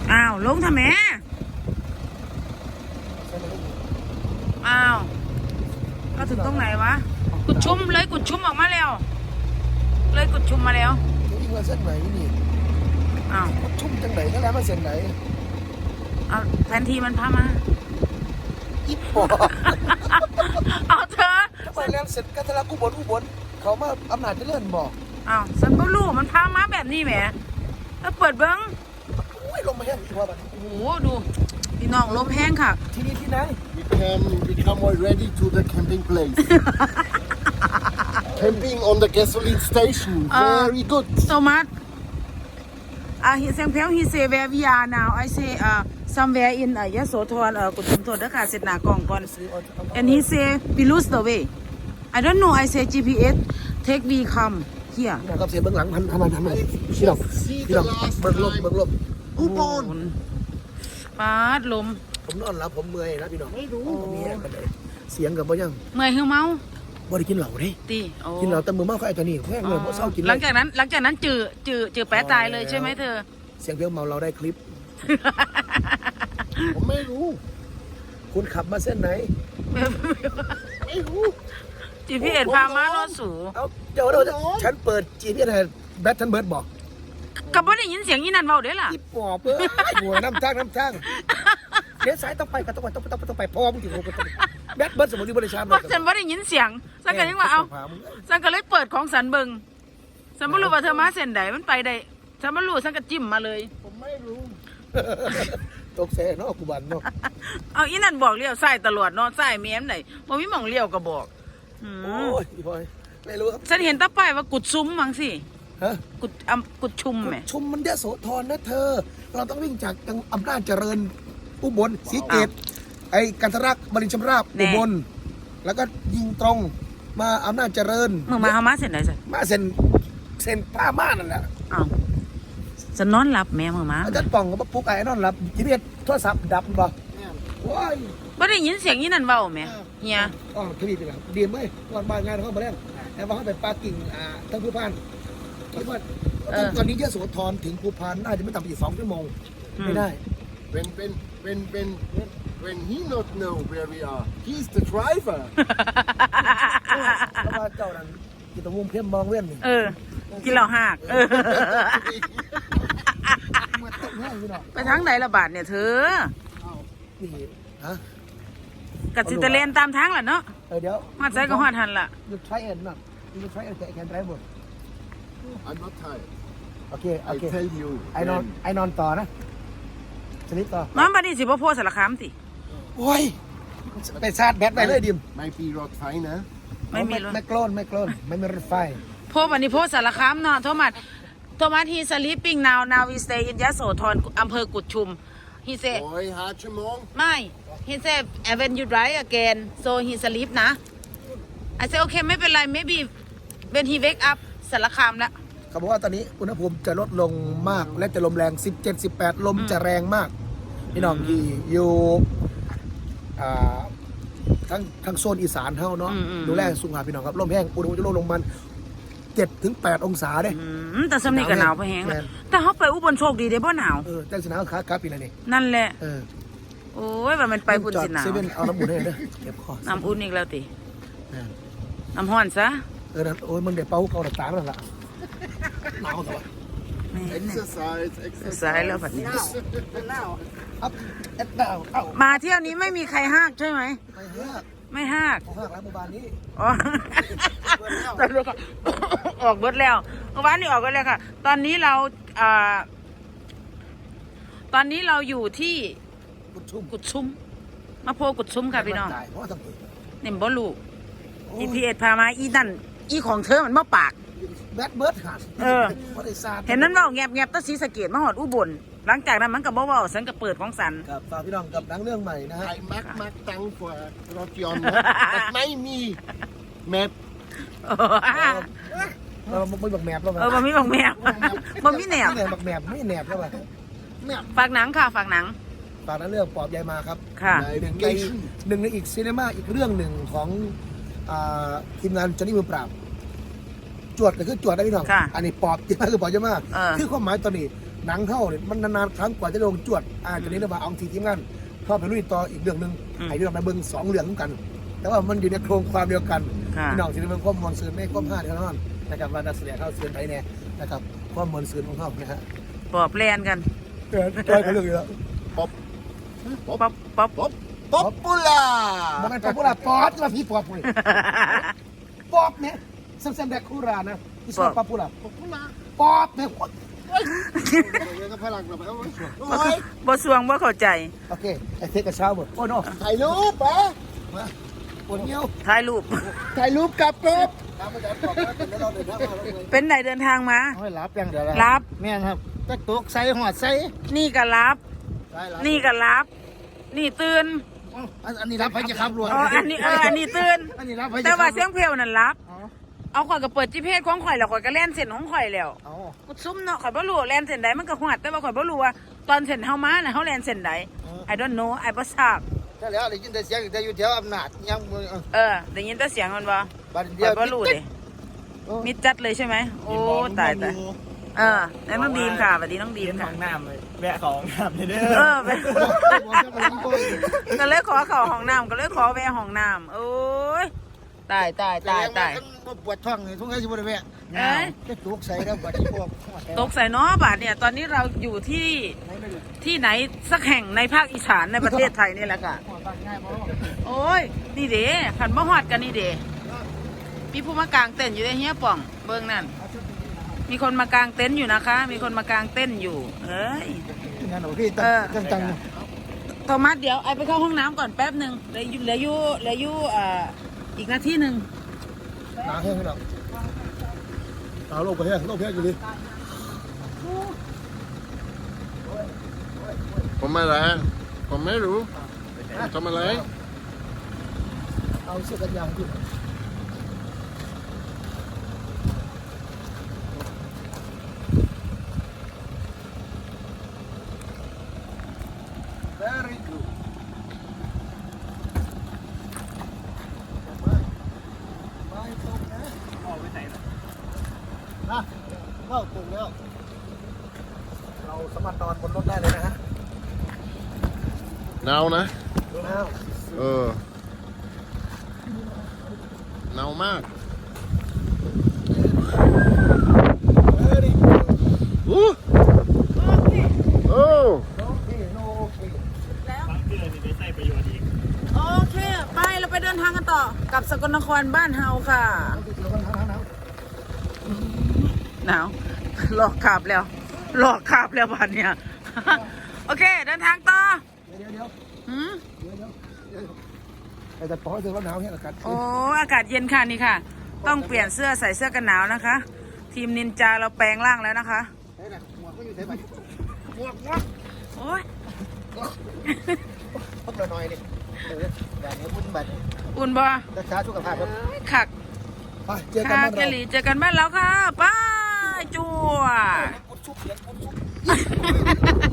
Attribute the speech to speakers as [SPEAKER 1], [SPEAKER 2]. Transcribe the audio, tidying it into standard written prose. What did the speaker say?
[SPEAKER 1] อ้าวลงทำไมอ้าวก็ถึงตรงไหนวะกุดชุมเลยกุดชุมออกมาแล้วเลยกุดชุมมาแล้ว
[SPEAKER 2] ยิ่งมาเส้นไหนนี่
[SPEAKER 1] อ้าว
[SPEAKER 2] ชุ่มจังไหนก็แล้วมาเส้นไหน
[SPEAKER 1] เอาแผนที่มันพามา
[SPEAKER 2] อีปอ
[SPEAKER 1] เอาเธอ
[SPEAKER 2] ไปแล้วเสร็จกันทะลักอุบลเขามาอำนาจเจริญบอก
[SPEAKER 1] อ้าวฉันก็รู้มันพามาแบบนี้แหมแล้วเปิดเบิ้ง
[SPEAKER 2] อุ้ยลมมาแห้งอีกว่าแบบ
[SPEAKER 1] โอ้โหดูพี่น้องลมแห้งค่ะ
[SPEAKER 2] ที่นี่ที่ไหน
[SPEAKER 3] become ready to the camping place camping on the gasoline station very good
[SPEAKER 1] so much he say where we are now I say somewhere in Yasothonกุฎชุมทนนะคะเสร็จหน้ากล่องก่อน and he say we lose the way I don't know I say GPS take we come here
[SPEAKER 2] นะครับเสียเบื้องหลังทำไมพี่น้องเบิ่งลมอุบล
[SPEAKER 1] ปาดลม
[SPEAKER 2] ผมนอนหลับผมเมื่อยนะพี่น้องไม่รู้มีแห้งกันเลยเสียงกับบ่ยัง
[SPEAKER 1] เมื่อยหิวเมา
[SPEAKER 2] บ่ได้กินเหล้าเด้กินเหล้าแต่มือเมาเขาไอ้ตัวนี้แห้งเลยบ่เศร้ากิน
[SPEAKER 1] หลังจากนั้นจือแปะตายเลยใช่ไหมเธอ
[SPEAKER 2] เสียงเพียงเมาเราได้คลิป
[SPEAKER 3] ผมไม่รู้
[SPEAKER 2] คุณขับมาเส้นไหน
[SPEAKER 3] ไม่รู้
[SPEAKER 1] GPS พามาโนสู
[SPEAKER 2] เอาเจ้าฉันเปิด GPS ให้แบททันเบิร์ดบอก
[SPEAKER 1] ก็บ่ได้ยินเสียงอีนั่นเว้าเด้ล่ะ
[SPEAKER 2] อีปอบหัวน้ำทางเดี๋ยวสายต้องไปพอมึงถึงแบทเบิร์ดสมุนไพรบริชา
[SPEAKER 1] บอกฉันบ่ได้ยินเสียงฉันก็ยังว่าเอาฉันก็เลยเปิดของสันเบิงฉันบ่รู้ว่าเธอมาเส้นใดมันไปได้ฉันบ่รู้ฉันก็จิ้มมาเลย
[SPEAKER 3] ผมไม่รู้
[SPEAKER 2] ตกแซ่เนาะกูบันเนาะ
[SPEAKER 1] เอาอีนั่นบอกเลี้ยวซ้ายตลอดเนาะซ้ายแม่มไหนบ่มีหม่องเลี้ยวก็บอก
[SPEAKER 2] โอ้ยพี่พลอยไม่รู้ครับ
[SPEAKER 1] ฉันเห็นตาป้ายว่ากุดซุ้มมั้งสิ
[SPEAKER 2] ฮะ
[SPEAKER 1] กุดชุมแหม
[SPEAKER 2] ชุมมันยโสธรนะเธอเราต้องวิ่งจากอำนาจเจริญอุบลศรีเกตไอ้กันทรักบรินชำราบอุบลแล้วก็ยิงตรงมาอำนาจเจริญ
[SPEAKER 1] มึงมาเอามาเส้นไหนสิ
[SPEAKER 2] มาเส้นป้าม่านั่นแหละ
[SPEAKER 1] อ้าวจะนอนหลับแม่มึงมา
[SPEAKER 2] อาจารย์ป่องก็ปุ๊กไอ้นอนหลับจีพีเอสโทรศัพท์ดับบ่ว้าย
[SPEAKER 1] ไม่ได้ยินเสียงยี่นั่นเบาไหมเฮีย
[SPEAKER 2] อ๋อทีนี้เป็นไรดีไหมวันบ้านงานเขามาแล้วแต่ว่าเขาไปปากิ่งทั้งภูพานคิดว่าตอนนี้ยโสธรถึงภูพานน่าจะไม่ต่ำกว่า2 ชั่วโมงไม่ได้
[SPEAKER 3] when he not know where we are he's the driver
[SPEAKER 2] เพราะว่าเจ้านั้นกินตะวงเพี้ยมมองเว้นนี่
[SPEAKER 1] กินเหล้าหักไปทางไหนละบาทเนี่ยเธอ
[SPEAKER 2] นี่ฮะ
[SPEAKER 1] กัดสิตะเลนตามทางแหละเนาะ
[SPEAKER 2] เดี๋ยว
[SPEAKER 1] มาใส่ก็หอดหันล่ะ
[SPEAKER 2] you try it not you try it can drive
[SPEAKER 3] I'm not tired
[SPEAKER 2] okay
[SPEAKER 3] I tell you
[SPEAKER 2] ไอ้นอนต่อนะสลิปต่อ
[SPEAKER 1] น้องบัดนี้สิบ่โพสารคามสิ
[SPEAKER 2] โอ้ยไปชาร์จแบตไปเลยดิม
[SPEAKER 3] ไม่มีรถไฟนะ
[SPEAKER 1] ไม่มีรถ
[SPEAKER 2] ไม่โกลนไม่มีรถไฟ
[SPEAKER 1] โพบัดนี้โพสารคามเนาะโทมัสhe sleeping now we stay in ยโสธรอำเภอกุดชุม he said
[SPEAKER 3] โอ้ย5 ชั่วโมง
[SPEAKER 1] ไม่ he said when you drive again so he sleep นะ I said okay ไม่เป็นไร maybe when he wake up สารคามแล้ว
[SPEAKER 2] เขาบอกว่าตอนนี้อุณหภูมิจะลดลงมากและจะลมแรง17-18ลมจะแรงมากพี่น้องที่อยู่ทั้งโซนอีสานเท่าเนาะดูแลสุขภาพพี่น้องครับลมแห้งอุณหภูมิจะลดลงมัน7-8 องศาเด้
[SPEAKER 1] แต่สำนีก็หนาวไปแห้งแต่เขาไปอุบลโชคดีได้บ่หนาว
[SPEAKER 2] แต่สิหนาวครับปีนี้
[SPEAKER 1] นั่นแหละโอ้ยว่ามันไปพุ่นสิหนาว
[SPEAKER 2] เซเว่นเอาน้ำอุ่นให้เด้อเก็บคอ
[SPEAKER 1] น้ำอุ่นอีกแล้วติน้ำห้อนซะ
[SPEAKER 2] นั่นโอ้ยมันเดี๋ยวเป่าเขาตามันละหนาวแต่ว่า
[SPEAKER 3] exercise
[SPEAKER 1] แล้วแบบนี้มาเที่ยวนี้ไม่มีใครห้ากใช่ไหมไม่ห้าก
[SPEAKER 2] แล้วเมื่อวานนี้
[SPEAKER 1] ออกเบิดแล้วเมื่อวานนี้ออกกันแล้วค่ะ ตอนนี้เราอยู่ที่กุดชุมมาโพกุดชุมค่ะพี่น้องเนี่ยบอลูGPS พามาอีนั่นอีของเธอมันมาปาก
[SPEAKER 2] แบทเบิร์ดหัด
[SPEAKER 1] เห็นนั้นว่าแงบตั้งศรีสะเกษมาหอดอุบลหลังจากนั้นมันก็บอกว่าฉันก็เปิดของสัน
[SPEAKER 2] กับฝากพี่น้องกับหนังเรื่องใหม่นะฮะ
[SPEAKER 3] ไอ้มักตังกว่ารถยนต์ไม่มีแมพ
[SPEAKER 2] ไม่บักแมพแล้ว
[SPEAKER 1] มันไม่บักแมพมันไม่แหนบ
[SPEAKER 2] บักแมพไม่แหนบแล้ว
[SPEAKER 1] ฝากหนังค่ะฝากหนัง
[SPEAKER 2] เรื่องปอบยายมาครับ
[SPEAKER 1] ค่ะ
[SPEAKER 2] หนึ่งในอีกซีนีมาอีกเรื่องหนึ่งของทีมงานจอห์นนี่มือปราบจวดก็คือจวดได้พี่น้องอันนี้ปอบยายมาคือปอบยายมาคือความหมายตอนนี้หนังเข้าเนี่ยมันนานๆครั้งกว่าจะลงจวดจะนี้เรามาเอาทีมงานเข้าไปลุยต่ออีกเรื่องหนึ่งไอ้เรื่องไปเบิ่ง2 เรื่องกัน แต่ว่ามันอยู่ในโครงความเดียวกัน
[SPEAKER 1] ค่ะ
[SPEAKER 2] พี่น้องที่ได้เบิ่งความมวลซื่นไม่ความ5เท่านั้นนะครับว่านักแสดงเข้าเสื่อไปเนี่ยนะครับความมวลซื่นของเขานะฮะ
[SPEAKER 1] ปอบแลนกัน
[SPEAKER 2] ใกล้กันเรื่องอยู่แล้ว
[SPEAKER 1] ป๊อปป๊อป
[SPEAKER 3] ป๊อปปูล่า
[SPEAKER 2] มันเป็นป๊อปป๊อปมาพี่ป๊อปเลยป๊อปเนี่ยซัมเซมแดกคูรานะที่ชอบป๊อปปูล่า
[SPEAKER 3] ป๊อปปูล่า
[SPEAKER 2] ป๊อปเนี่ย
[SPEAKER 3] เรื่องกับพลังเราไปเอาไว้
[SPEAKER 1] บ่สวงบ่เข้าใจ
[SPEAKER 2] โอเคไอ้เทคกับเช้าหมดโอ้โน
[SPEAKER 3] ถ่ายรูปปะ
[SPEAKER 2] มาปวดเงี้ยว
[SPEAKER 1] ถ่ายรูป
[SPEAKER 3] ถ่ายรูปกับกบ
[SPEAKER 2] ตามมาจากก่อนนะเป็นแล้วเราเดินทางมาแล้วเลย
[SPEAKER 1] เป็นไหนเดินทางมา
[SPEAKER 3] ให้รับอย่างเดียว
[SPEAKER 1] รับ
[SPEAKER 3] แม่นครับตะตุกใส่หอดใส่
[SPEAKER 1] นี่ก็รับ
[SPEAKER 3] ได้รับ
[SPEAKER 1] นี่ก็รับ นี่ตื่น
[SPEAKER 3] อันนี้รับไปจะขับรถ
[SPEAKER 1] อ๋ออันนี้ตื่น
[SPEAKER 3] อันนี้รับไปจะ
[SPEAKER 1] แต่
[SPEAKER 3] ขับ
[SPEAKER 1] ว่าเสียงเพลวนั่นรับ
[SPEAKER 3] อ๋อ
[SPEAKER 1] เอาข่อยก็เปิด GPS ของข่อยแล้วข่อยก็แล่นเส้นของข่อยแล้ว
[SPEAKER 3] เอา
[SPEAKER 1] กูซุ่มเนาะข่อยบ่รู้ว่าแล่นเส้นใดมันก็ฮอดแต่ว่าข่อยบ่รู้ว่าตอนเส้นเฮามาน่ะเฮาแล่นเส้นใด I don't know I บ่ทราบ
[SPEAKER 3] ใช่แล้วได้ยินแต่เสียงแต่อยู่แถวอำนาจยังมือ
[SPEAKER 1] ได้ยินแต่เสียงมันบ่
[SPEAKER 3] บัด
[SPEAKER 1] ข่
[SPEAKER 3] เดีย
[SPEAKER 1] อ
[SPEAKER 3] วย
[SPEAKER 1] บ่รู้เด้มิดจัดเลยใช่ไหมโอ้ตายแล้วน้องดีมค่ะสวัสดีน้องดีม
[SPEAKER 4] ข
[SPEAKER 1] ค่ะ
[SPEAKER 4] องน้ำเลยแวะของน้ำเลยเด้อ
[SPEAKER 1] ไปก็เลยขอเข้าห้องน้ำก็เลยขอแวะห้องน้ำโอ้ยตาย
[SPEAKER 3] ปวดท้องเลยทุกข์ให้ชิบะเวะ
[SPEAKER 1] เอ้ย
[SPEAKER 3] จะตุกใส่แล้วบัดที่พวก
[SPEAKER 1] ตกใส่เนาะบาทเนี่ยตอนนี้เราอยู่ที่ไหนสักแห่งในภาคอีสานในประเทศไทยนี่แหละค่ะโอ้ยนี่เด้ขันมะฮอดกันนี่เด้มีผู้มากางเต็นท์อยู่ในเฮียป่องเบิ้งนั่นมีคนมากางเต็นท์อยู่นะคะ มีคนมากางเต็นท์อยู่เอ้ย
[SPEAKER 3] งานหนูพี่จัง
[SPEAKER 1] โทมัสเดี๋ยวไอไปเข้าห้องน้ำก่อนแป๊บหนึ่งเหลืออยู่อีกนาทีหนึ่ง
[SPEAKER 2] หนาแห้งให้เราเอาโลกไปแห้งโลกแห้งอยู่ดิ
[SPEAKER 3] ผมอะไรผมไม่รู้ทำอะไร
[SPEAKER 2] เอาเสื้อกันยาวขึ้น Very good ไม่ตรงนะ
[SPEAKER 4] ออกไปไหนล่ะ
[SPEAKER 3] นะเข้าตรงแล้ว
[SPEAKER 2] เราสามารถนอนบนรถได้เลยนะฮะ
[SPEAKER 3] หนาวนะ
[SPEAKER 2] อ้าว
[SPEAKER 3] หนาวมาก
[SPEAKER 2] Very good
[SPEAKER 3] อู้โอ้
[SPEAKER 2] โอเคโนโอเค
[SPEAKER 4] บางเกลือนี่ได้ใส่ประโยชน์อีก
[SPEAKER 1] โอเคไปเราไปเดินทางกันต่อกับสกลนครบ้านเฮาค่ะ หนาวหลอกขับแล้วบ้านเนี่ย โอเคเดินทางต่อ
[SPEAKER 2] เดี๋ยว
[SPEAKER 1] หืม
[SPEAKER 2] แต่ปอเธอว่าหนาวแห้งอากาศ
[SPEAKER 1] โอ้อากาศเย็นค่ะนี่ค่ะ ต้องเปลี่ยนเสื้อใส่เสื้อกันหนาวนะคะ ทีมนินจาเราแปลงร่างแล้วนะคะ
[SPEAKER 3] ใช่นะหมวกก็อยู่ใส่ไปหมวก
[SPEAKER 1] โอ้ย
[SPEAKER 3] พวกเราหน่อยนี่แบบนี้บุญบัตร
[SPEAKER 1] อุ่นบ่
[SPEAKER 3] รักษาสุขภาพครับ
[SPEAKER 1] ขัก
[SPEAKER 2] ไปเจอกัน
[SPEAKER 1] ค่ะ
[SPEAKER 2] บ้าน
[SPEAKER 1] เก
[SPEAKER 2] เรา
[SPEAKER 1] หลีเจอกันบ้านแล้วค่ะไป้าจัว
[SPEAKER 2] ปุ๊บชุบเสียงปุ๊บชุบ